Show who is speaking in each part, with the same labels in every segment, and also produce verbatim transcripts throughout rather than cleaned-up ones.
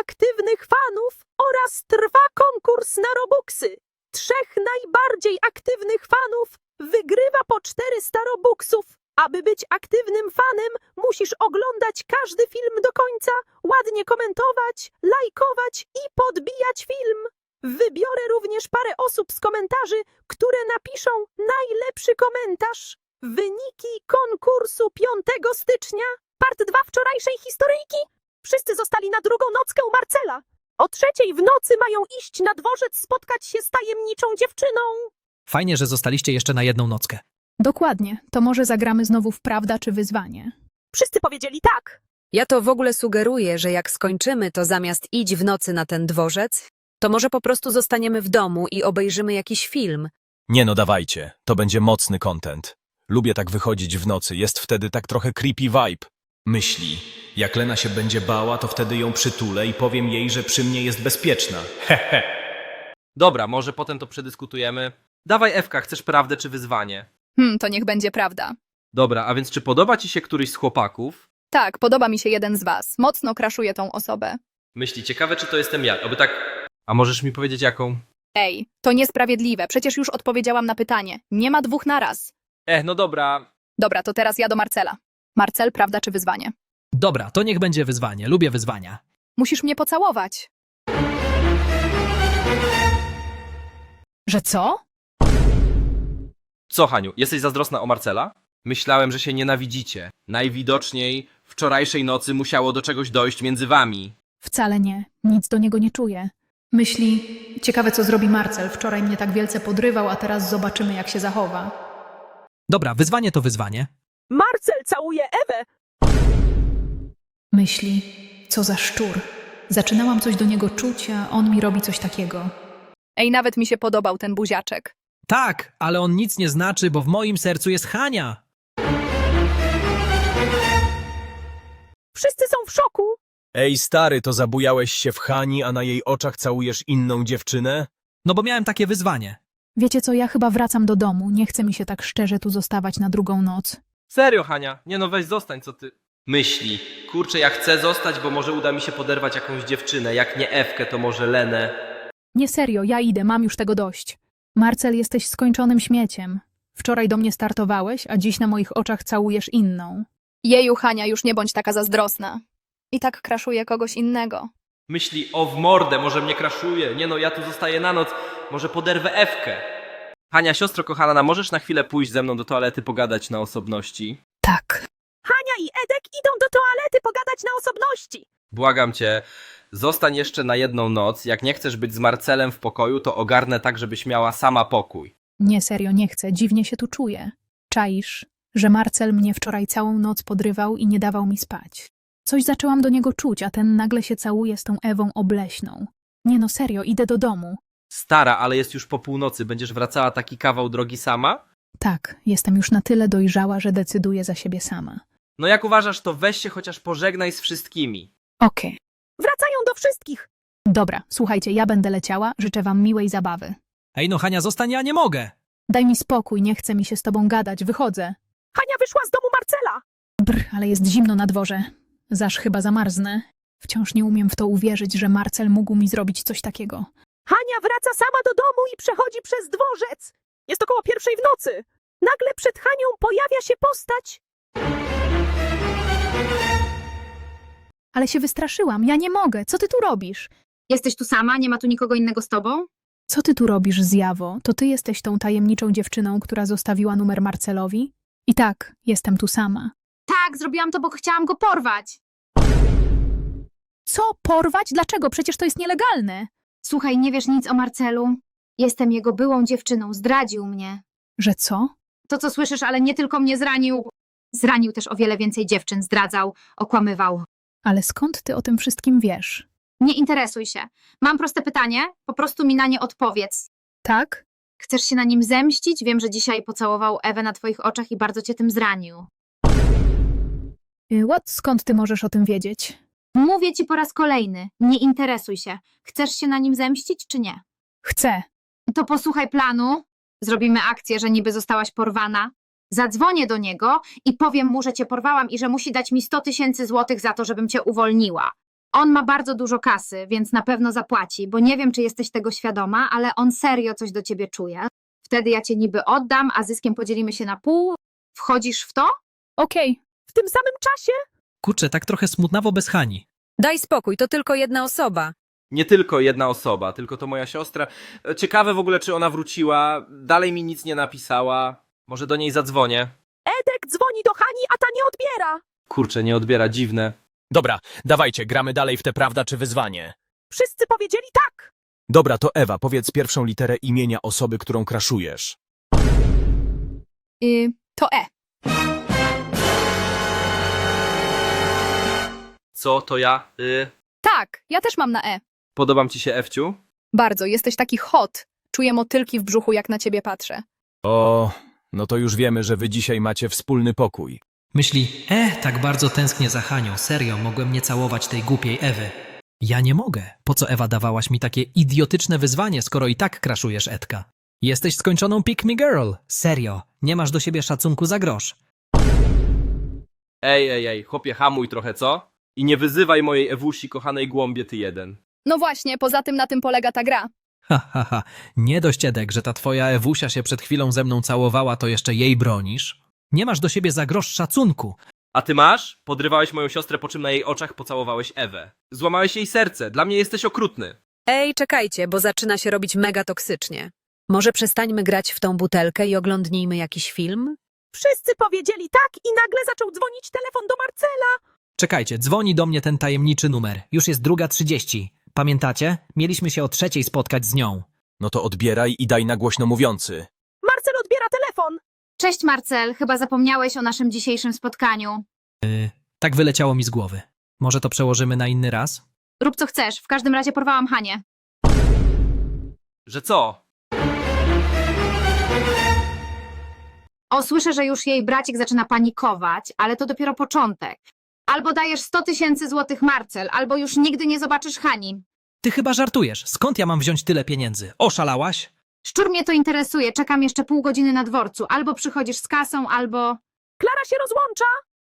Speaker 1: aktywnych fanów oraz trwa konkurs na Robuxy. Trzech najbardziej aktywnych fanów wygrywa po czterysta Robuxów. Aby być aktywnym fanem, musisz oglądać każdy film do końca, ładnie komentować, lajkować i podbijać film. Wybiorę również parę osób z komentarzy, które napiszą najlepszy komentarz. Wyniki konkursu piątego stycznia, part dwa wczorajszej historyjki. Wszyscy zostali na drugą nockę u Marcela. O trzeciej w nocy mają iść na dworzec spotkać się z tajemniczą dziewczyną.
Speaker 2: Fajnie, że zostaliście jeszcze na jedną nockę.
Speaker 3: Dokładnie. To może zagramy znowu w prawda czy wyzwanie.
Speaker 1: Wszyscy powiedzieli tak.
Speaker 4: Ja to w ogóle sugeruję, że jak skończymy, to zamiast iść w nocy na ten dworzec, to może po prostu zostaniemy w domu i obejrzymy jakiś film.
Speaker 5: Nie no, dawajcie. To będzie mocny content. Lubię tak wychodzić w nocy. Jest wtedy tak trochę creepy vibe. Myśli. Jak Lena się będzie bała, to wtedy ją przytulę i powiem jej, że przy mnie jest bezpieczna. Hehe.
Speaker 6: Dobra, może potem to przedyskutujemy. Dawaj, Ewka, chcesz prawdę czy wyzwanie?
Speaker 3: Hmm, to niech będzie prawda.
Speaker 6: Dobra, a więc czy podoba ci się któryś z chłopaków?
Speaker 3: Tak, podoba mi się jeden z was. Mocno kraszuję tą osobę.
Speaker 6: Myśli, ciekawe czy to jestem ja, aby tak... A możesz mi powiedzieć jaką?
Speaker 3: Ej, to niesprawiedliwe. Przecież już odpowiedziałam na pytanie. Nie ma dwóch naraz.
Speaker 6: Eh, no dobra.
Speaker 3: Dobra, to teraz ja do Marcela. Marcel, prawda czy wyzwanie?
Speaker 2: Dobra, to niech będzie wyzwanie. Lubię wyzwania.
Speaker 3: Musisz mnie pocałować. Że co?
Speaker 6: Co, Haniu, jesteś zazdrosna o Marcela? Myślałem, że się nienawidzicie. Najwidoczniej wczorajszej nocy musiało do czegoś dojść między wami.
Speaker 3: Wcale nie. Nic do niego nie czuję. Myśli, ciekawe co zrobi Marcel. Wczoraj mnie tak wielce podrywał, a teraz zobaczymy jak się zachowa.
Speaker 2: Dobra, wyzwanie to wyzwanie.
Speaker 1: Marcel całuje Ewę.
Speaker 3: Myśli, co za szczur. Zaczynałam coś do niego czuć, a on mi robi coś takiego. Ej, nawet mi się podobał ten buziaczek.
Speaker 2: Tak, ale on nic nie znaczy, bo w moim sercu jest Hania.
Speaker 1: Wszyscy są w szoku.
Speaker 5: Ej stary, to zabujałeś się w Hani, a na jej oczach całujesz inną dziewczynę?
Speaker 2: No bo miałem takie wyzwanie.
Speaker 3: Wiecie co, ja chyba wracam do domu. Nie chce mi się tak szczerze tu zostawać na drugą noc.
Speaker 6: Serio, Hania? Nie no, weź zostań, co ty... Myśli. Kurczę, ja chcę zostać, bo może uda mi się poderwać jakąś dziewczynę. Jak nie Ewkę, to może Lenę.
Speaker 3: Nie serio, ja idę, mam już tego dość. Marcel, jesteś skończonym śmieciem. Wczoraj do mnie startowałeś, a dziś na moich oczach całujesz inną. Jeju, Hania, już nie bądź taka zazdrosna. I tak kraszuje kogoś innego.
Speaker 6: Myśli, o w mordę, może mnie kraszuje. Nie no, ja tu zostaję na noc. Może poderwę Ewkę. Hania, siostro kochana, możesz na chwilę pójść ze mną do toalety pogadać na osobności?
Speaker 3: Tak.
Speaker 1: Hania i Edek idą do toalety pogadać na osobności.
Speaker 6: Błagam cię, zostań jeszcze na jedną noc. Jak nie chcesz być z Marcelem w pokoju, to ogarnę tak, żebyś miała sama pokój.
Speaker 3: Nie serio, nie chcę, dziwnie się tu czuję. Czaisz, że Marcel mnie wczoraj całą noc podrywał i nie dawał mi spać. Coś zaczęłam do niego czuć, a ten nagle się całuje z tą Ewą obleśną. Nie no, serio, idę do domu.
Speaker 6: Stara, ale jest już po północy. Będziesz wracała taki kawał drogi sama?
Speaker 3: Tak, jestem już na tyle dojrzała, że decyduję za siebie sama.
Speaker 6: No jak uważasz, to weź się chociaż pożegnaj z wszystkimi.
Speaker 3: Okej.
Speaker 1: Wracają do wszystkich.
Speaker 3: Dobra, słuchajcie, ja będę leciała, życzę wam miłej zabawy.
Speaker 2: Ej no Hania, zostań, ja nie mogę.
Speaker 3: Daj mi spokój, nie chce mi się z tobą gadać, wychodzę.
Speaker 1: Hania wyszła z domu Marcela.
Speaker 3: Brr, ale jest zimno na dworze. Zaż chyba zamarznę. Wciąż nie umiem w to uwierzyć, że Marcel mógł mi zrobić coś takiego.
Speaker 1: Hania wraca sama do domu i przechodzi przez dworzec. Jest około pierwszej w nocy. Nagle przed Hanią pojawia się postać.
Speaker 3: Ale się wystraszyłam, ja nie mogę. Co ty tu robisz?
Speaker 7: Jesteś tu sama? Nie ma tu nikogo innego z tobą?
Speaker 3: Co ty tu robisz, zjawo? To ty jesteś tą tajemniczą dziewczyną, która zostawiła numer Marcelowi? I tak, jestem tu sama.
Speaker 7: Tak, zrobiłam to, bo chciałam go porwać.
Speaker 3: Co? Porwać? Dlaczego? Przecież to jest nielegalne.
Speaker 7: Słuchaj, nie wiesz nic o Marcelu? Jestem jego byłą dziewczyną, zdradził mnie.
Speaker 3: Że co?
Speaker 7: To, co słyszysz, ale nie tylko mnie zranił. Zranił też o wiele więcej dziewczyn, zdradzał, okłamywał.
Speaker 3: Ale skąd ty o tym wszystkim wiesz?
Speaker 7: Nie interesuj się. Mam proste pytanie, po prostu mi na nie odpowiedz.
Speaker 3: Tak?
Speaker 7: Chcesz się na nim zemścić? Wiem, że dzisiaj pocałował Ewę na twoich oczach i bardzo cię tym zranił.
Speaker 3: Y, What? Skąd ty możesz o tym wiedzieć?
Speaker 7: Mówię ci po raz kolejny, nie interesuj się. Chcesz się na nim zemścić, czy nie?
Speaker 3: Chcę.
Speaker 7: To posłuchaj planu. Zrobimy akcję, że niby zostałaś porwana. Zadzwonię do niego i powiem mu, że cię porwałam i że musi dać mi sto tysięcy złotych za to, żebym cię uwolniła. On ma bardzo dużo kasy, więc na pewno zapłaci, bo nie wiem, czy jesteś tego świadoma, ale on serio coś do ciebie czuje. Wtedy ja cię niby oddam, a zyskiem podzielimy się na pół. Wchodzisz w to?
Speaker 3: Okej,
Speaker 1: W tym samym czasie
Speaker 2: Kurczę, tak trochę smutnawo bez Hani.
Speaker 4: Daj spokój, to tylko jedna osoba.
Speaker 6: Nie tylko jedna osoba, tylko to moja siostra. E, Ciekawe w ogóle, czy ona wróciła. Dalej mi nic nie napisała. Może do niej zadzwonię.
Speaker 1: Edek dzwoni do Hani, a ta nie odbiera.
Speaker 6: Kurczę, nie odbiera, dziwne.
Speaker 5: Dobra, dawajcie, gramy dalej w te prawda czy wyzwanie.
Speaker 1: Wszyscy powiedzieli tak.
Speaker 5: Dobra, to Ewa, powiedz pierwszą literę imienia osoby, którą kraszujesz.
Speaker 3: y, to E.
Speaker 6: Co to ja? Y...
Speaker 3: Tak, ja też mam na E.
Speaker 6: Podobam ci się, Ewciu?
Speaker 3: Bardzo, jesteś taki hot. Czuję motylki w brzuchu, jak na ciebie patrzę.
Speaker 5: O, no to już wiemy, że wy dzisiaj macie wspólny pokój.
Speaker 2: Myśli, e, tak bardzo tęsknię za Hanią, serio, mogłem nie całować tej głupiej Ewy. Ja nie mogę. Po co, Ewa, dawałaś mi takie idiotyczne wyzwanie, skoro i tak kraszujesz Edka? Jesteś skończoną pick me girl. Serio, nie masz do siebie szacunku za grosz.
Speaker 6: Ej, ej, ej, chłopie, hamuj trochę, co? I nie wyzywaj mojej Ewusi, kochanej głąbie, ty jeden.
Speaker 3: No właśnie, poza tym na tym polega ta gra.
Speaker 2: Ha, ha, ha. Nie dość, Edek, że ta twoja Ewusia się przed chwilą ze mną całowała, to jeszcze jej bronisz? Nie masz do siebie za grosz szacunku.
Speaker 6: A ty masz? Podrywałeś moją siostrę, po czym na jej oczach pocałowałeś Ewę. Złamałeś jej serce. Dla mnie jesteś okrutny.
Speaker 4: Ej, czekajcie, bo zaczyna się robić mega toksycznie. Może przestańmy grać w tą butelkę i oglądnijmy jakiś film?
Speaker 1: Wszyscy powiedzieli tak i nagle zaczął dzwonić telefon do Marcela.
Speaker 2: Czekajcie, dzwoni do mnie ten tajemniczy numer. Już jest druga trzydzieści. Pamiętacie? Mieliśmy się o trzeciej spotkać z nią.
Speaker 5: No to odbieraj i daj na głośno mówiący.
Speaker 1: Marcel odbiera telefon.
Speaker 7: Cześć Marcel, chyba zapomniałeś o naszym dzisiejszym spotkaniu.
Speaker 2: Tak wyleciało mi z głowy. Może to przełożymy na inny raz?
Speaker 7: Rób co chcesz, w każdym razie porwałam Hanię.
Speaker 6: Że co?
Speaker 7: O, słyszę, że już jej bracik zaczyna panikować, ale to dopiero początek. Albo dajesz sto tysięcy złotych Marcel, albo już nigdy nie zobaczysz Hani.
Speaker 2: Ty chyba żartujesz. Skąd ja mam wziąć tyle pieniędzy? Oszalałaś?
Speaker 7: Szczur mnie to interesuje, czekam jeszcze pół godziny na dworcu. Albo przychodzisz z kasą, albo...
Speaker 1: Klara się rozłącza.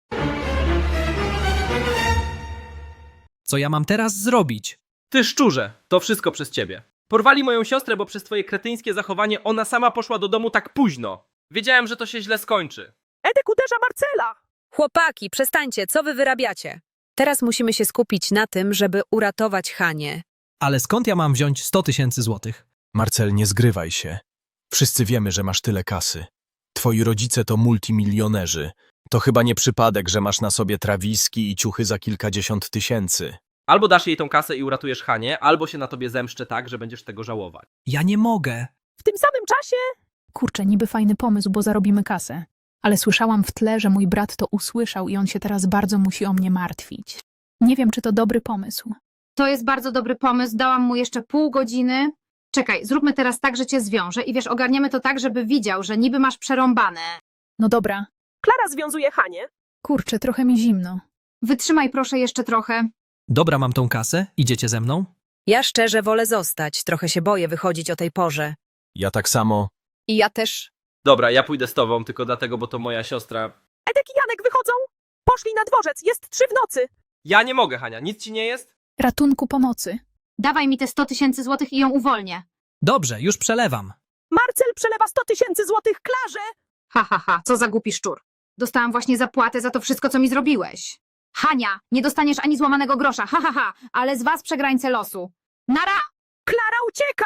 Speaker 2: Co ja mam teraz zrobić?
Speaker 6: Ty szczurze, to wszystko przez ciebie. Porwali moją siostrę, bo przez twoje kretyńskie zachowanie ona sama poszła do domu tak późno. Wiedziałem, że to się źle skończy.
Speaker 1: Edek uderza Marcela.
Speaker 4: Chłopaki, przestańcie, co wy wyrabiacie? Teraz musimy się skupić na tym, żeby uratować Hanię.
Speaker 2: Ale skąd ja mam wziąć sto tysięcy złotych?
Speaker 5: Marcel, nie zgrywaj się. Wszyscy wiemy, że masz tyle kasy. Twoi rodzice to multimilionerzy. To chyba nie przypadek, że masz na sobie trawiski i ciuchy za kilkadziesiąt tysięcy.
Speaker 6: Albo dasz jej tą kasę i uratujesz Hanię, albo się na tobie zemszczę tak, że będziesz tego żałować.
Speaker 2: Ja nie mogę.
Speaker 1: W tym samym czasie
Speaker 3: Kurczę, niby fajny pomysł, bo zarobimy kasę. Ale słyszałam w tle, że mój brat to usłyszał i on się teraz bardzo musi o mnie martwić. Nie wiem, czy to dobry pomysł.
Speaker 7: To jest bardzo dobry pomysł, dałam mu jeszcze pół godziny. Czekaj, zróbmy teraz tak, że cię zwiążę i wiesz, ogarniemy to tak, żeby widział, że niby masz przerąbane.
Speaker 3: No dobra.
Speaker 1: Klara związuje Hanię.
Speaker 3: Kurczę, trochę mi zimno.
Speaker 7: Wytrzymaj proszę jeszcze trochę.
Speaker 2: Dobra, mam tą kasę. Idziecie ze mną?
Speaker 4: Ja szczerze wolę zostać, trochę się boję wychodzić o tej porze.
Speaker 5: Ja tak samo.
Speaker 3: I ja też.
Speaker 6: Dobra, ja pójdę z tobą, tylko dlatego, bo to moja siostra.
Speaker 1: Edek i Janek wychodzą. Poszli na dworzec, jest trzy w nocy.
Speaker 6: Ja nie mogę, Hania, nic ci nie jest?
Speaker 3: Ratunku pomocy.
Speaker 7: Dawaj mi te sto tysięcy złotych i ją uwolnię.
Speaker 2: Dobrze, już przelewam.
Speaker 1: Marcel przelewa sto tysięcy złotych Klarze.
Speaker 7: Ha, ha, ha, co za głupi szczur. Dostałam właśnie zapłatę za to wszystko, co mi zrobiłeś. Hania, nie dostaniesz ani złamanego grosza, ha, ha, ha, ale z was przegrańce losu. Nara!
Speaker 1: Klara ucieka.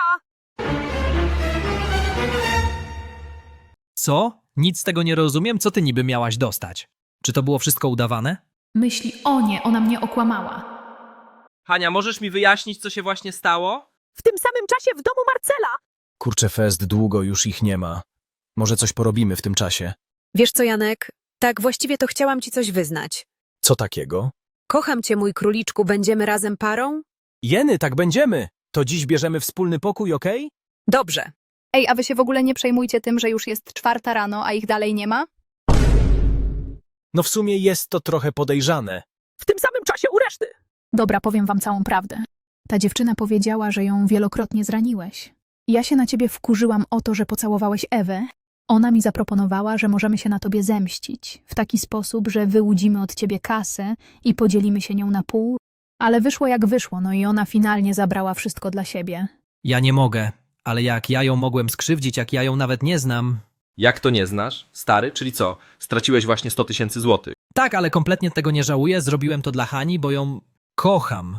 Speaker 2: Co? Nic z tego nie rozumiem. Co ty niby miałaś dostać? Czy to było wszystko udawane?
Speaker 3: Myśli, o nie, ona mnie okłamała.
Speaker 6: Hania, możesz mi wyjaśnić, co się właśnie stało?
Speaker 1: W tym samym czasie w domu Marcela.
Speaker 5: Kurczę, fest, długo już ich nie ma. Może coś porobimy w tym czasie.
Speaker 4: Wiesz co, Janek? Tak, właściwie to chciałam ci coś wyznać.
Speaker 5: Co takiego?
Speaker 4: Kocham cię, mój króliczku, będziemy razem parą?
Speaker 5: Jeny, tak będziemy. To dziś bierzemy wspólny pokój, okej?
Speaker 4: Dobrze.
Speaker 3: Ej, a wy się w ogóle nie przejmujcie tym, że już jest czwarta rano, a ich dalej nie ma?
Speaker 5: No w sumie jest to trochę podejrzane.
Speaker 1: W tym samym czasie u reszty.
Speaker 3: Dobra, powiem wam całą prawdę. Ta dziewczyna powiedziała, że ją wielokrotnie zraniłeś. Ja się na ciebie wkurzyłam o to, że pocałowałeś Ewę. Ona mi zaproponowała, że możemy się na tobie zemścić. W taki sposób, że wyłudzimy od ciebie kasę i podzielimy się nią na pół, Ale wyszło jak wyszło, no i ona finalnie zabrała wszystko dla siebie.
Speaker 2: Ja nie mogę, ale jak ja ją mogłem skrzywdzić, jak ja ją nawet nie znam.
Speaker 6: Jak to nie znasz? Stary, czyli co? Straciłeś właśnie sto tysięcy złotych.
Speaker 2: Tak, ale kompletnie tego nie żałuję, zrobiłem to dla Hani, bo ją kocham.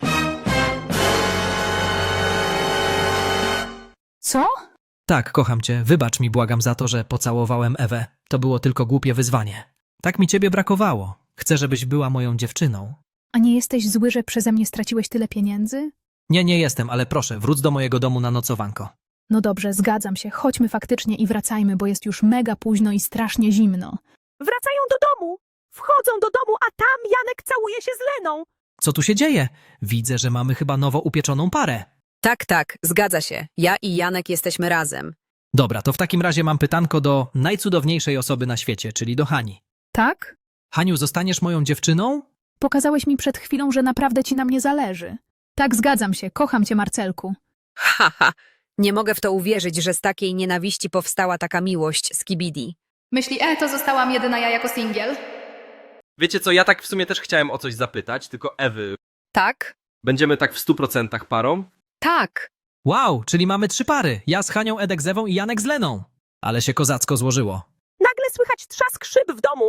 Speaker 3: Co?
Speaker 2: Tak, kocham cię, wybacz mi, błagam, za to, że pocałowałem Ewę. To było tylko głupie wyzwanie. Tak mi ciebie brakowało. Chcę, żebyś była moją dziewczyną.
Speaker 3: A nie jesteś zły, że przeze mnie straciłeś tyle pieniędzy?
Speaker 2: Nie, nie jestem, ale proszę, wróć do mojego domu na nocowanko.
Speaker 3: No dobrze, zgadzam się. Chodźmy faktycznie i wracajmy, bo jest już mega późno i strasznie zimno.
Speaker 1: Wracają do domu. Wchodzą do domu, a tam Janek całuje się z Leną.
Speaker 2: Co tu się dzieje? Widzę, że mamy chyba nowo upieczoną parę.
Speaker 4: Tak, tak, zgadza się. Ja i Janek jesteśmy razem.
Speaker 2: Dobra, to w takim razie mam pytanko do najcudowniejszej osoby na świecie, czyli do Hani.
Speaker 3: Tak?
Speaker 2: Haniu, zostaniesz moją dziewczyną?
Speaker 3: Pokazałeś mi przed chwilą, że naprawdę ci na mnie zależy. Tak, zgadzam się. Kocham cię, Marcelku.
Speaker 4: Haha, nie mogę w to uwierzyć, że z takiej nienawiści powstała taka miłość z Kibidi.
Speaker 3: Myśli, e, to zostałam jedyna ja jako singiel.
Speaker 6: Wiecie co, ja tak w sumie też chciałem o coś zapytać, tylko Ewy.
Speaker 4: Tak?
Speaker 6: Będziemy tak w stu procentach parą?
Speaker 4: Tak.
Speaker 2: Wow, czyli mamy trzy pary. Ja z Hanią, Edek z Ewą i Janek z Leną. Ale się kozacko złożyło.
Speaker 1: Nagle słychać trzask szyb w domu.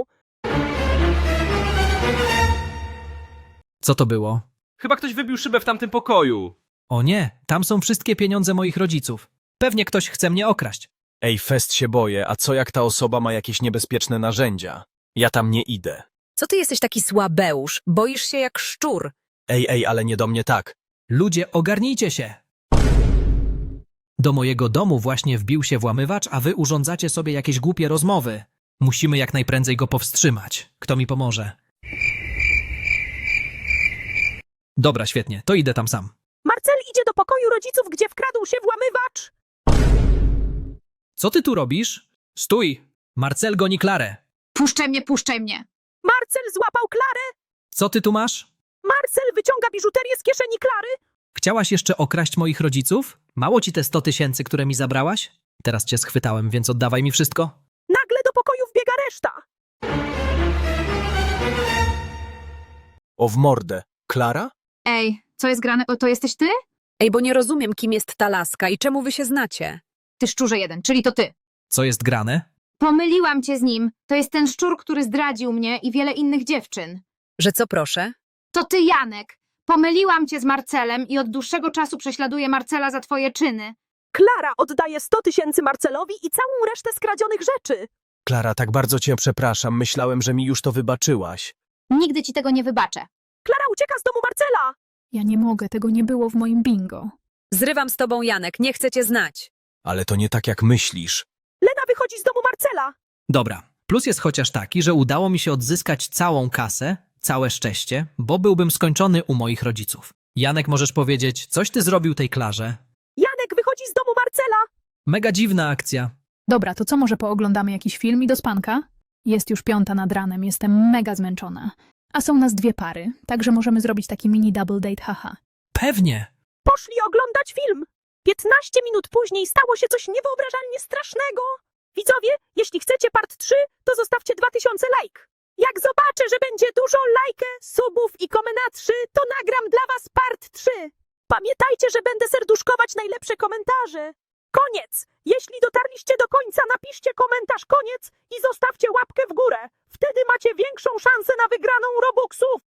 Speaker 2: Co to było?
Speaker 6: Chyba ktoś wybił szybę w tamtym pokoju.
Speaker 2: O nie, tam są wszystkie pieniądze moich rodziców. Pewnie ktoś chce mnie okraść.
Speaker 5: Ej, fest się boję, a co jak ta osoba ma jakieś niebezpieczne narzędzia? Ja tam nie idę.
Speaker 4: Co ty jesteś taki słabeusz? Boisz się jak szczur.
Speaker 5: Ej, ej, ale nie do mnie tak.
Speaker 2: Ludzie, ogarnijcie się! Do mojego domu właśnie wbił się włamywacz, a wy urządzacie sobie jakieś głupie rozmowy. Musimy jak najprędzej go powstrzymać. Kto mi pomoże? Dobra, świetnie, to idę tam sam.
Speaker 1: Marcel idzie do pokoju rodziców, gdzie wkradł się włamywacz.
Speaker 2: Co ty tu robisz? Stój! Marcel goni Klarę.
Speaker 7: Puszczaj mnie, puszczaj mnie.
Speaker 1: Marcel złapał Klarę.
Speaker 2: Co ty tu masz?
Speaker 1: Marcel wyciąga biżuterię z kieszeni Klary.
Speaker 2: Chciałaś jeszcze okraść moich rodziców? Mało ci te sto tysięcy, które mi zabrałaś? Teraz cię schwytałem, więc oddawaj mi wszystko.
Speaker 1: Nagle do pokoju wbiega reszta.
Speaker 5: O w mordę. Klara?
Speaker 7: Ej, co jest grane? O, to jesteś ty?
Speaker 4: Ej, bo nie rozumiem, kim jest ta laska i czemu wy się znacie.
Speaker 7: Ty szczurze jeden, czyli to ty.
Speaker 2: Co jest grane?
Speaker 7: Pomyliłam cię z nim. To jest ten szczur, który zdradził mnie i wiele innych dziewczyn.
Speaker 4: Że co proszę?
Speaker 7: To ty, Janek. Pomyliłam cię z Marcelem i od dłuższego czasu prześladuję Marcela za twoje czyny.
Speaker 1: Klara oddaje sto tysięcy Marcelowi i całą resztę skradzionych rzeczy.
Speaker 5: Klara, tak bardzo cię przepraszam. Myślałem, że mi już to wybaczyłaś.
Speaker 7: Nigdy ci tego nie wybaczę.
Speaker 1: Klara ucieka z domu Marcela.
Speaker 3: Ja nie mogę, tego nie było w moim bingo.
Speaker 4: Zrywam z tobą, Janek, nie chcę cię znać.
Speaker 5: Ale to nie tak jak myślisz.
Speaker 1: Lena wychodzi z domu Marcela.
Speaker 2: Dobra, plus jest chociaż taki, że udało mi się odzyskać całą kasę, całe szczęście, bo byłbym skończony u moich rodziców. Janek, możesz powiedzieć, coś ty zrobił tej Klarze?
Speaker 1: Janek wychodzi z domu Marcela.
Speaker 2: Mega dziwna akcja.
Speaker 3: Dobra, to co, może pooglądamy jakiś film i do spanka? Jest już piąta nad ranem, jestem mega zmęczona. A są nas dwie pary, także możemy zrobić taki mini double date, haha.
Speaker 2: Pewnie.
Speaker 1: Poszli oglądać film. piętnaście minut później stało się coś niewyobrażalnie strasznego. Widzowie, jeśli chcecie part trzy, to zostawcie dwa tysiące lajk. Jak zobaczę, że będzie dużo lajkę, subów i komentarzy, to nagram dla was part trzy. Pamiętajcie, że będę serduszkować najlepsze komentarze. Koniec! Jeśli dotarliście do końca, napiszcie komentarz koniec i zostawcie łapkę w górę. Wtedy macie większą szansę na wygraną Robuxów.